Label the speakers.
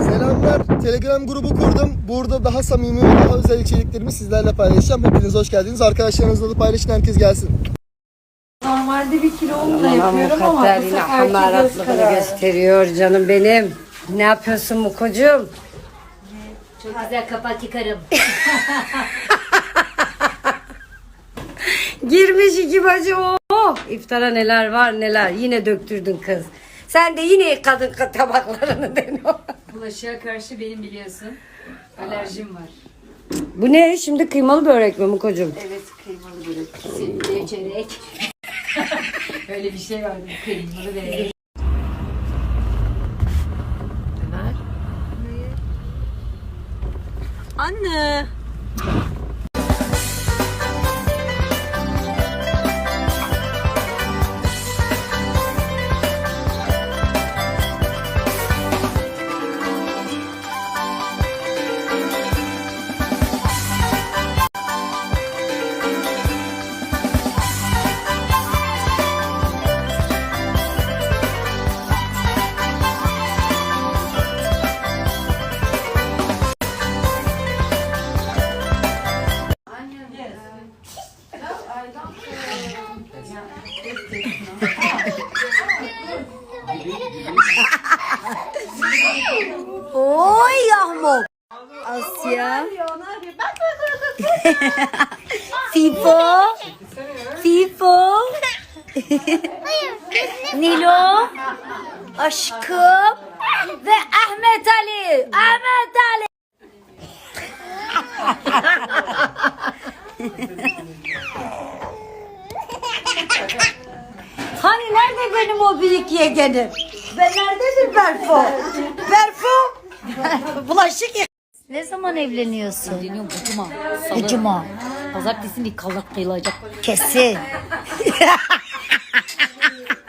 Speaker 1: Selamlar. Telegram grubu kurdum. Burada daha samimi ve daha özel içeriklerimi sizlerle paylaşacağım. Hepiniz hoş geldiniz. Arkadaşlarınızla da paylaşın. Herkes gelsin.
Speaker 2: Normalde bir kilolu da yapıyorum ama bu seferki göz
Speaker 3: hamaratlığı
Speaker 2: kararı.
Speaker 3: gösteriyor canım benim. Ne yapıyorsun Mukocuğum?
Speaker 4: Çok güzel kapak yıkarım.
Speaker 3: Girmiş iki bacı. Oh! İftara neler var neler. Yine döktürdün kız. Sen de yine yıkadın tabaklarını deniyor.
Speaker 4: Bulaşığa karşı benim biliyorsun alerjim var.
Speaker 3: Bu ne? Şimdi kıymalı börek mi Mukocuğum?
Speaker 4: Evet, kıymalı börek. Kesinlikle çörek. Öyle bir şey vardı, kıymalı börek.
Speaker 2: Anne.
Speaker 3: Oy yahmuk. Asya. Fifo. Fifo. Nilo. Aşkım. Ve Ahmet Ali. Ahmet Ali. Hani nerede benim o büyük yeğenim? Ben nerededir Berfo? Berfo? Bulaşık yık.
Speaker 5: Ne zaman evleniyorsun?
Speaker 4: Deniyorum bu cuma.
Speaker 5: Ne cuma?
Speaker 4: Pazartesi bir kallak kıyılacak.
Speaker 5: Kesin.